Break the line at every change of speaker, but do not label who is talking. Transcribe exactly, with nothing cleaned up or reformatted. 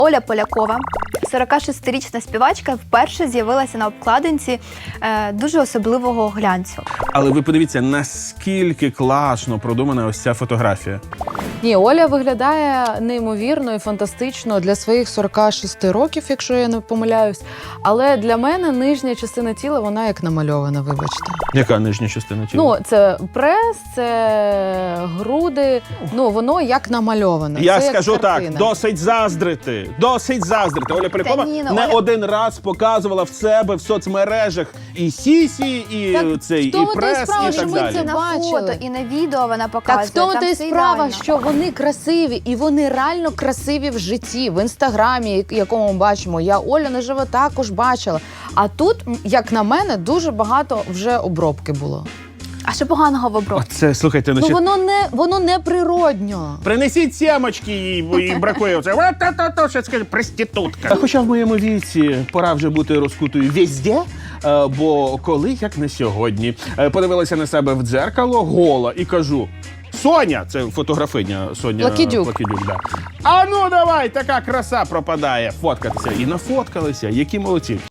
Оля Полякова, сорокашестирічна співачка, вперше з'явилася на обкладинці е, дуже особливого глянцю.
Але ви подивіться, наскільки класно продумана ось ця фотографія.
Ні, Оля виглядає неймовірно і фантастично для своїх сорока шести років, якщо я не помиляюсь. Але для мене нижня частина тіла, вона як намальована, вибачте.
Яка нижня частина тіла?
Ну, це прес, це груди, ну, воно як намальоване.
Я
це
скажу
як
так,
картина.
досить заздрити, досить заздрити. Оля Полякова
ні, ну,
не
Оля-
один раз показувала в себе в соцмережах і сісі, і
Так
цей,
в
і
тому то й
прес,
справа,
і
що
так
ми
далі.
це
На
бачили.
фото і на відео вона показує.
Так в тому
там
то й
все
справа,
ідеально.
що вони красиві, і вони реально красиві в житті, в інстаграмі, якому ми бачимо. Я Оля наживо також бачила. А тут, як на мене, дуже багато вже обробки було.
А що поганого в обробці?
Оце, слухайте,
Ну
значить,
воно не воно не природньо.
принесіть сімочки, їй, бо їй бракує оце. Ва-та-та-та, що скаже, проститутка. Хоча в моєму віці пора вже бути розкутою везде, е, бо коли, як не сьогодні, е, подивилася на себе в дзеркало гола і кажу: Соня, це фотографиня Соня
Лакідюк.
Лакідюк, да. А ну давай, така краса пропадає, фоткатися. І нафоткалися, які молодці.